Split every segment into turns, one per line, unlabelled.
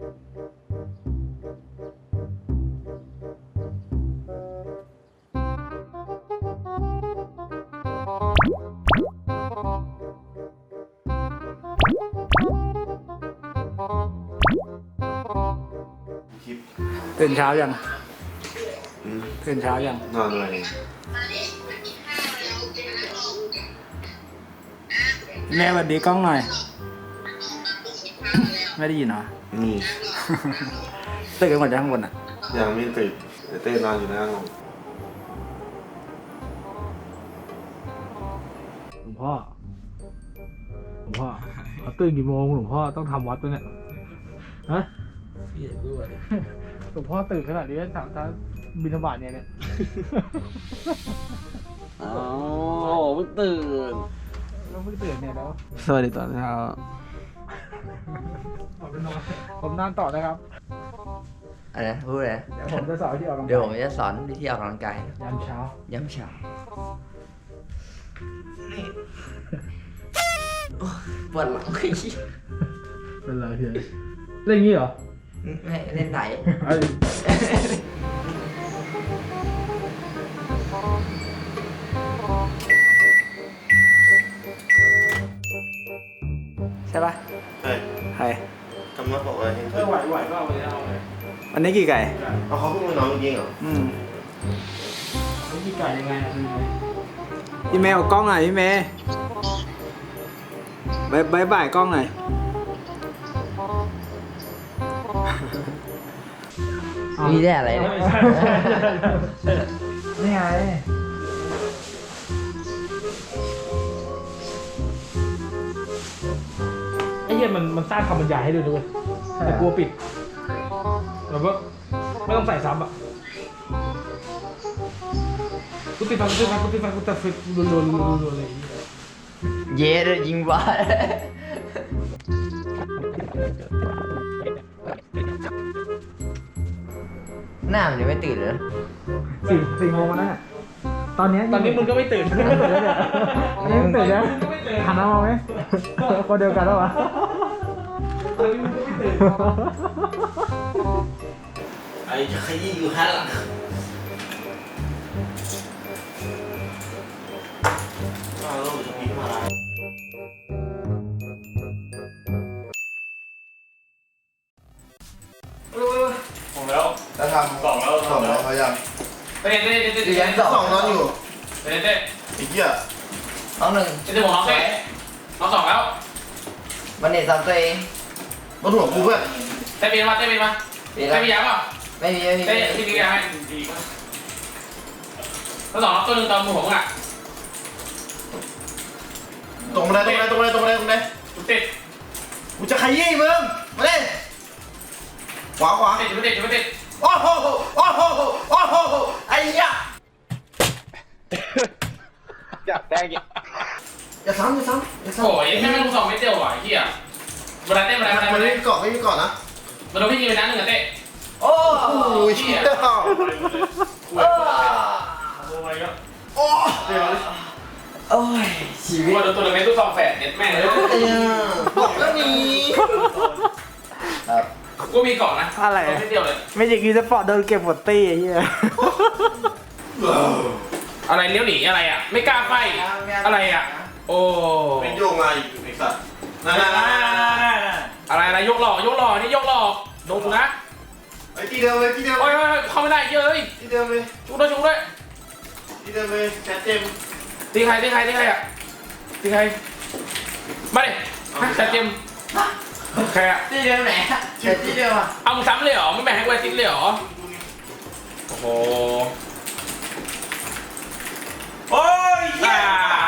ตื่นเช้ายังตื่นเช้ายัง
นอนอะไร
แม่สวัสดีกล้องหน่อยไม่ได้ยินเหรอ
นี่
ตื่นกันหมดจากข้างบนอ่ะ
ยังไม่ตื่นเต้นนอนอยู่หน้าห้อง
หลวงพ่อเขาตื่นกี่โมงหลวงพ่อต้องทำวัดด้วยเนี่ยฮะหลวงพ่อตื่นขนาดนี้ถามถ้าบิณฑบาตเนี่ย
อ๋อเพิ่งตื่น
เราเพิ่งตื่นเนี่ยแล้ว
สวัสดีตอนเช้า
ผมนอนต่อนะครับ
อะไรนะพูดเลย
เดี๋ยวผมจะสอนวิธีออกกำลังกาย
เดี๋ยวผมจะสอนวิธีออกกำลังกาย
ยามเช้า
ย้ำเช้าปวดหลังขี้
เป็นไรเพียเล่นอย่างนี้เหรอ
ไม่เล่นไหนใช่ปะ
ใช่
ใคร
ทำมาบอกว่าเห็น
ไหวก็เอาไปเอาเลย
วันนี้กี่ไก่
เอาเขาเพิ่งมานอนจริงเหรอ
วิธีการยังไงอะคือ
พี่เมย์เอากล้องหน่อยพี่เมย์บ่ายกล้องหน่อย
มีได้อะไรเนี่ย
นี่ไงไอ้เหี้ยมันสร้างคำบรรยายให้ด้วยด้วยแต่กลัวปิดแบบว่าไม่ต้องใส่ซ้ำอ่ะกูติดฟังกูแต่ฟิตรัวอะไรอย่างเงี้ย
เย้เลยยิงบ้าหน้ามันยังไม่ตื่นเลย
4 โมงแล้วน่ะตอนนี้มึงก็ไม่ตื่นตอนนี้มึงตื่นแล้วหันมามองไหมคนเดียวกันแล้ววะตอนนี้มึงก็ไม่ตื่น
ไอ้จะขยี้อยู่ข้างหลังเราจะพิมพ์อะไร
ผมแล้ว
แล้วทำ
สองแล้ว
สองแล้วเขายัง
เต้
สองนอนอยู่
เต้
ไอ้เหี้ย
น้องหนึ่ง
เต้ผมน้องเต้น้องสองแล้ว
วันนี้ซ้ำตัวเอง
บนหัวกูเพื่อน
เต้ปีนมาเต้ปีนมาเต้ปีนยังเปล่า
ไม่มี
เต้พี่ปีนยังให้ดีมากแล้วสองตัวหนึ่งตอนมือผมอ่ะ
ตรงไหน
จุดติด
กูจะขยี้มึงมาเล่นขวา
จุดติด
โอ้โหไอ้เหี้ยอยากได้ยังอย่าซ้ำ
โอ้ยไม่รู้สองไม่เดียวอ่ะไอ้เหี้ยบันไดเต้บันได
มันไม่มีเกาะนะ
มันโดนพี่ยิงไปนัดหนึ่งอ่ะเต้
โอ้
โอ้ยเชี่ยโอ้ย
ชีวิ
กู
ต
มาโดนตัวหนึ่งในตู้ซองแฝดเน็ตแม่เลย
บอกแล้วมี
ครับ
กูมีเกาะนะ
อะไร
ไม่เดียวเลย
ไม่ใช่กีสปอร์ตโดนเก็บหมดตี้ไอ้เหี้ย
อะไรเลี้ยวหนีอะไรอ่ะไม่กล้าไฟอะไรอ่ะโอ้
เป็นโยงมาอีกไอ้สัตว์นั่น
อะไรยกหล่นี่ยกหล่อโดนกูนะ
ไอ้ที่เดิมเลย
โอ้ยเข้าไม่ได้เยอะเลย
ที่เดิมเลย
ชุกด้วย
แคทเจม
ตีใครอ่ะตีใครมาดิจัดเจมใครอ่ะ
ที่เดิมไหนที่เดิมอ่ะ
เอามึงซ้ำเลยเหรอไม่แบ่งให้กูซิกเลยเหรอโอ้โห
โอ้ยเหี้ย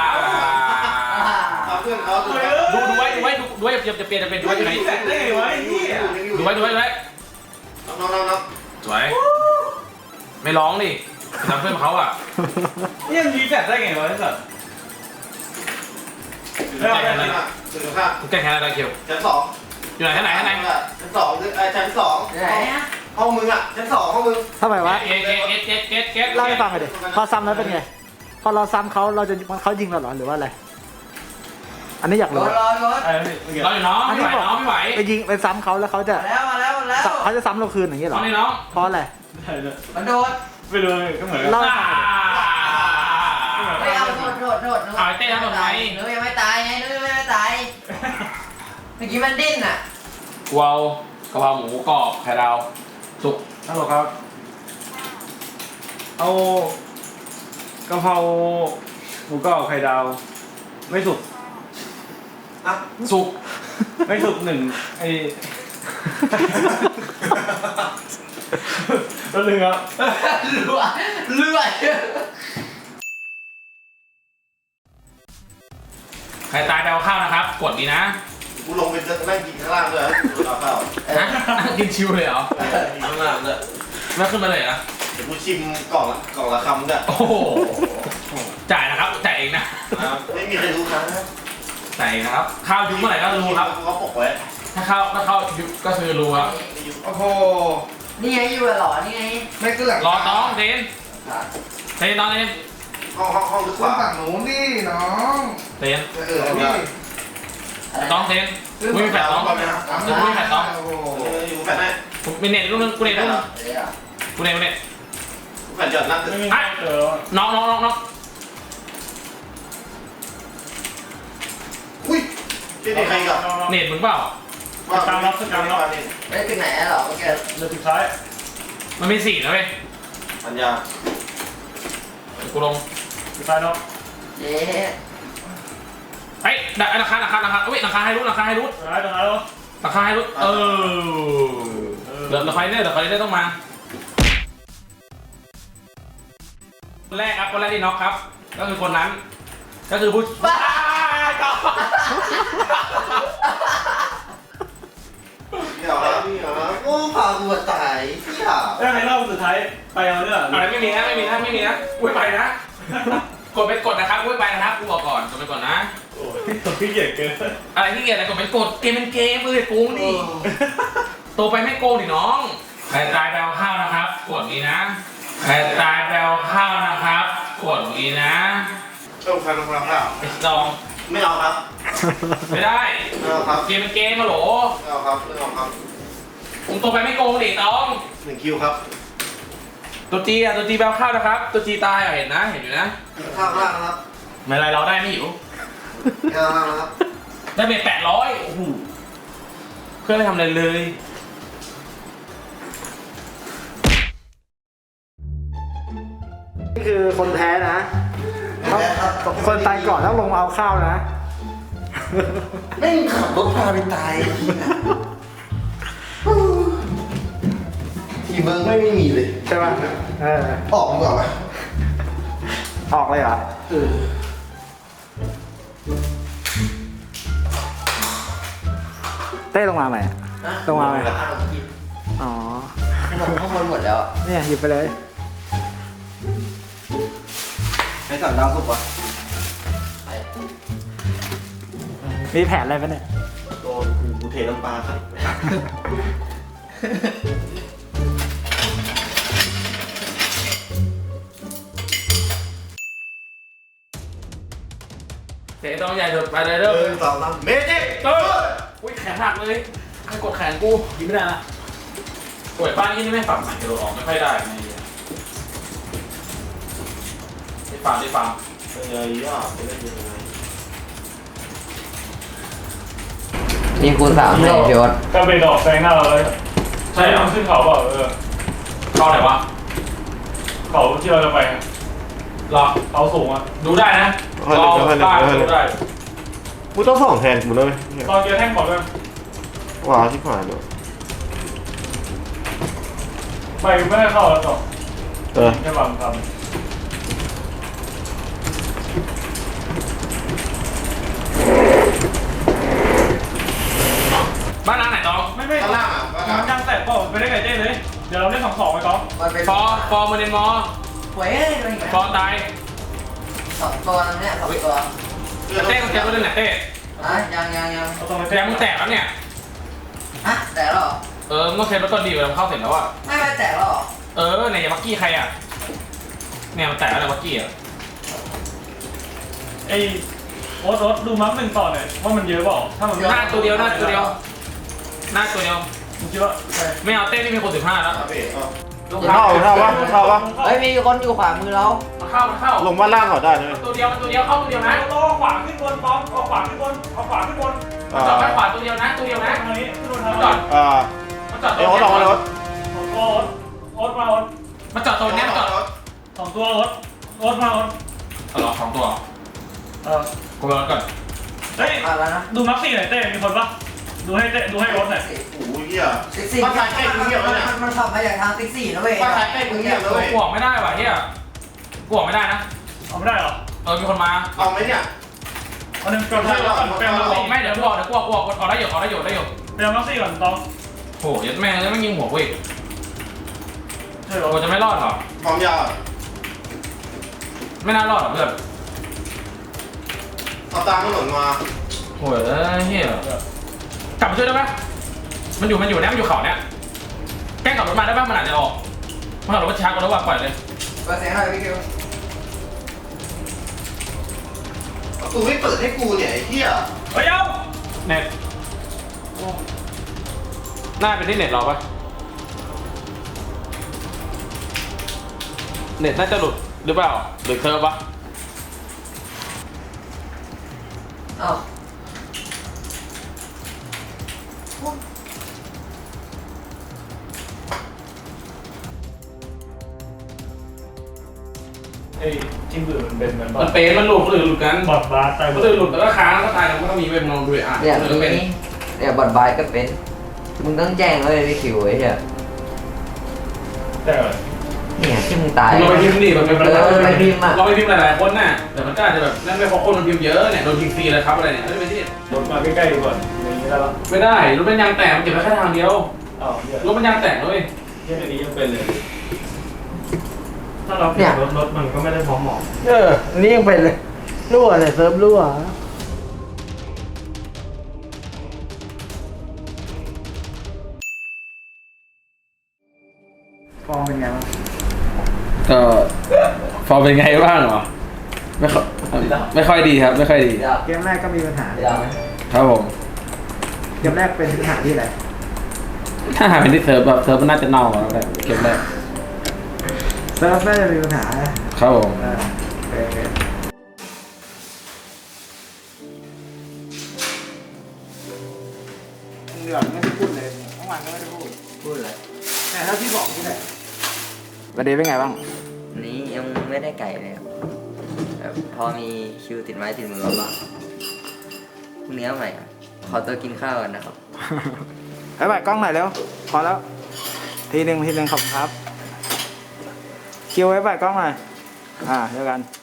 เพื่อนเขาตัว
ดูไว้จะเปลี่ยนดูไว้อยู่ไหน
ได้ไงวะไอ้เหี้ย
ดูไว้
น้อง
สวยไม่ร้องดิทำเพื่อนเขาอ่ะ
ยังมีแฟดได้ไงวะไอ้สัส
เรื่องอะไรถึงข้า
แกแค่อะไรเกี่ยว
ชั้นสอง
อยู่ไหนชั้นไหน
ชั้นสอง
ไหนอ่ะ
ห้องมึงอ่ะชั้นสองห้องมึง
ทำไมวะ
เก็ต
เล่าให้ฟังหน่อยดิพอซ้ำแล้วเป็นไงพอเราซ้ำเขาเขายิงเราเหรอหรือว่าอะไรอันนี้อยาก
ร
รู้
ถ
เราอยู่น้องไม่ไหว
ไปยิงไปซ้ำเขาแล้วเขาจะ
มาแล้วแล้ว
เขาจะซ้ำเราคืนอย่างนี้เหร
น้
อ
องนี่น้อง
เพราะอะไร
มันโดด
ไม่รู้ก็เหมือน
เล่า
ไม่เอาโดดนุ้ยยังไม่ตายไงนุ้ยยังไม่ตายเมื่อกี้มันดิ้นอ่ะ
กูเอากะเพราหมูกรอบไข่ดาวสุก
ฮัลโหลครับ เอากะเพราหมูกรอบไข่ดาว ไม่สุก
สุก
ไม่สุกหนึ่งไอ้ แล้วนึงครับ
เลื่อย
ใครตายไปเอาข้าวนะครับ กดดีนะ
กูลงไปจะนั่งกินข้างล่างด้วยกูรอข้าว
ฮะกินชิวเลยเหรอ
กินข้างล่างด้วย
แล้วขึ้นมาเลยนะ
เดี๋ยวกูชิมกล่องละคำด้วย
โอ้โหจ่ายนะครับจ่ายเองนะ
ไม่มีใครรู้ครับ
จ่ายเองนะครับข้าวยุบเมื่อไหร่ก็รู้ครับ
เขาปกไว้
ถ้าข้าวยุบก็คือรู้ครับ
โอ้โหนี่ไงอยู่หรอนี่ไงไม่เกลือ
รอน้องเทนเทนน้องเทน
ห้องลึกกว่า
ฝั่งหนูนี่น้อง
เทน
นี่
น้องเทนไม่มีแฟลชน้องไม่มีแฟลชน้อง
อยู่แฟนให้
มีเน็ตลูกนึงกูเน็ตลูกนึงกูเน็ต
แฟนจอดนั่งตึก
ไม่มีเจอ
น้อง
อุ้ยที่นี่ใครกับ
เน็ตมึงเปล่า
ไม่ถึงไหนหรอเมื่อกี้
เรือสุดท้าย
มันมี4นะเว้ย
ปัญญา
กูลง
สุดท้ายเนาะ
เย้
เฮ้ยราคาเฮ้ยราคาให้รุด
สุดท้ายแล้ว
ราคาให้รุดเดี๋ยวราคาเนี่ยต้องมาคนแรกครับคนแรกที่น็อกครับ ก็คือคนนั้น ก็คือผู้บ้าต่อ
พี่เหรอพี่เหรอโอ้พากูมาตายพี่เหรอ
แล้วให้เล่าสุดท้ายไปเอาเรื่อง
อะไรไม่มีนะอุ้ยไปนะกดนะครับอุ้ยไปนะครับกูบอกก่อนกดไปก่อนนะ
โอ้ยพี่เกียจเกิน
อะไรที่เกียรอะไรกดเป็นกดเกมเป็นเกมโกงดิโตไปไม่โกงดิน้องใครตายแปลข้าวนะครับกดนี้นะใครตายแปลข้าวนะครับกดนี้นะ
ต้องฟังข้าว
ไอ้ซอง
ไม่เอาครับ
ไม่ได้
ไม่เอาครับ
เกมเป็นเกมมาโหล
ไม่เอาครับไม่เอาครับ
ผมโตไปไม่โกงดิน้อง
1 คิวครับ
ตัวจีแปลข้าวนะครับตัวจีตายเห็นอยู่นะ
ข้าวล่างนะครับ
ไม่ไรเราได้ไม่หิว
ข้าวล่างนะครับ
ได้ไป800โอ้โหเพื่อนไม่ทำอะไรเลย
นี่คือคนแพ้นะคนตายก่อนต้องลงมาเอาข้าวนะ
ไม่ขับรถพาไปตายทีเบิร์กไม่มีเลย
ใช่ป่ะเออ
ออกดีกว่าไหม
ออกเลยเหรอเต้ลงมาไหมลงมาไหมอ๋อ
ข้างบนหมดแล้ว
เนี่ยหยิบไปเลย
ใช้สั่งดาวสุกวะ
มีแผนอะไรปะเนี่ย
โดนกูเทน้ำปลาครับ
เตะต้องใหญ่สุดไปเลยเด้อ
1 2 3เมจิก
อุ้ยแขนหักเลยให้กดแขนกูยิงไม่ได้นะป่วยบ้านที่นี่ไม่ฝังใหม่โดนออกไม่ค่อยได้ไงได้ฟัง
เป็นไงย่าเป็นยังไง
นี่คูณ3ให้พี่โอ๊ต
ก็ไปดอกแซงหน้าเราเลยใช่เอาขึ้นเขาเปล่า
เข้าไหนวะ
เขาที่เราจะไป
รอ
เขาสูงอ่ะ
ดูได้นะรอบ้านดูได้
กูต้อง2 แทนกูด้วย
ตอนเจอแท่งก่อนด้วย
ว้าวที่ผ่านเลย
ไปไม่ได้เข้าแล้วต่อ แค่บังท
บ้านร้านไหนตอง
ำไม่
ข้างล่างอ่ะ
มันยังแตะก็ไปได้ไงเจ้เลย เดี๋ยวเราเล่น2-2ไปก๊อฟ
มันเป็น
ฟอร์มาเดนมอ
หวยอะไรอย่างเงี้ย
ฟอตาย
2 ตัวนั่นเนี่ย2 ตัว
เต้ต้องแก้ตัวเล่นไหนเต้
ยัง
เราต้องไป
แกมึงแตกแล้วเนี่ย
แต่หรอ
มึงต้องเทรถต้นดีเวลาเข้าเสร็จแล้วอ่ะ
ไม่แต่หรอ
เนี่ยอย่ามักกี้ใครอ่ะเนี่ยมันแตกแล้วมักกี้อ่ะ
ไอ้โอ๊ตดูมัฟ1 ต่อหน่อยว่ามันเยอะเปล่าถ้ามัน
หน้าตัวเดียว
เยอะ
ไม่เอาเต้นนี่มีคน15แล้ว
เข้าปะ
เฮ้ยมีคนอยู่ขวามือเรา
มาเข้า
ลงบ้านล่างเขาได้ไหม
ตัวเดียวเข้าตัวเดียวนะ
โลขวาขึ้นบนบอมเอาขวาขึ้นบนเอาขวาขึ้นบน
มาจอดด้านขวาตัวเดียวนะตัวเดียวนะ
ทางนี้ขึ้นบน
มา
ทาง
จอด
อ่า
มาจอด
เดี๋ยวเขาลองรถ
โอ๊ตมาโอ๊ต
มาจอดตัวนี้มาจอด
สองตัวโอ๊ตมาโอ๊ต
หรอ2ตัวกูรอก่อน
เฮ้ย
อะไรนะ
ดูมักซี่หน่อยเต้มีคนปะดูให้โอ๊ตหน่อย
โอ้ยเหี้ย
ติ๊กซี่
บ้านซ้ายใกล้กูเงียบแล้วเนี่ย
มันขับมาจากทางติ๊กซี่นะเว้ย
บ้านซ้ายใกล้กูเงียบแล้วเว้ย
กูออกไม่ได้ว่ะเฮียกูออกไม่ได้นะ
เอาไม่ได้หรอ
มีคนมา
เอาไหมเนี่ย
เอาหนึ่งเปลี่ยนมักซี่ก่อนเปลี่ยนมักซี่
ไม่เดี๋ยวกูออกได้อยู่
เปลี่ยนมักซี่ก่อนต้อง
โหยัดแม่แล้วไม่ยิงหัวกูอีก
ใช่หรอ
กูจะไม่รอดหรอ
พร้อมยาว
ไม่น่ารอดหรอเพื่อน
เอาตามถนนมา
โหเฮียกลับมาช่วยได้ปะมันอยู่เนี่ยมันอยู่เขาเนี่ยแกล้งขับรถมาได้ปะมันอาจจะออกมันขับรถช้ากว่าแล้วว่ะปล่อยเลย
เปิดเสียงหน่อยพี่คิว
ประตูไม่เปิดให้กูเนี่ยไอ้เหี้ย
เฮ้ยเอา
เน็ตน่าเป็นที่เน็ตเราปะเน็ตน่าจะหลุดหรือเปล่าหรือเซิร์ฟปะ
อ้าว
ไอ้จิ้มบือมันเป็นเหมือน
มันเป็นมันหลุดคนอื่นหลุดกัน
บอดบาสตาย
คนอื่นหลุดแล้วก็ค้างแล้วก็ตายแล้วก็ต้องมีเว็บมองดูอ่ะ
เนี่ย
คนอื่นก็เป็น
เนี่ยบอดบายก็เป็นมึงต้องแจ้งเลยพี่คิวไอ้เหี้ย
แต่
เนี่ยที่มึงตาย
เราไปพิมพ์ดิมันเป็น
ไปพิมพ์อ่ะ
เราไปพิมพ์หลายๆคนน่ะแต่มันก็อาจจะแบบนั่นไม่เพราะคนมันพิมพ์เยอะเนี่ยโดนยิงฟรีเลยครับอะไรเนี่ยไม่ได้เป็นที่
รถมาใกล้ๆดูก่อนอย่างนี้ได้ปะ
ไม่ได้รถมันยางแตกมันเก็บไว้แค่ทางเดียว
อ้าวเหี้ย
รถมันยางแตกเลย
เหี้ยอันนี้ยังเป็นเลยถ้าเราเปลี่ยนรถมันก็ไม่ได้พร้อมหมอ
อันนี้ยังเป็นเลยรั่วเลยเซิร์ฟรั่วฟองเป็นไงบ้าง
ก็ฟอร์มเป็นไงบ้างเหรอไม่ค่อยดีครับไม่ค่อยดี
เกมแรกก็มีปัญหา
ครับผม
เกมแรกเป็นปัญหาที่อะไร
ถ้าหาเป็นที่เซิร์ฟแบบเซิร์ฟมันน่าจะเน่าแล้วแหละเก็บได้
เซิร์ฟน่าจะมีปัญหานะครับ
ผม
โอเคเหงื่อไม่ได้พูดเลยเมื่อวานก็ไม่ได้พูด
พูดเลย
แต่ถ้าพี่บอกที่ไหนวันนี้เป็นไงบ้าง
นี้ยังไม่ได้ไก่เลยครับแบบพอมีคิวติดไม้ติดมือบ้างพรุ่งนี้เอาใหม่ครับขอตัวกินข้าวกันนะครับ
ไปไปกล้องหน่อยเร็ว พอแล้ว ทีหนึ่งขอบคุณครับ คิวไว้ไปกล้องหน่อย เจอกัน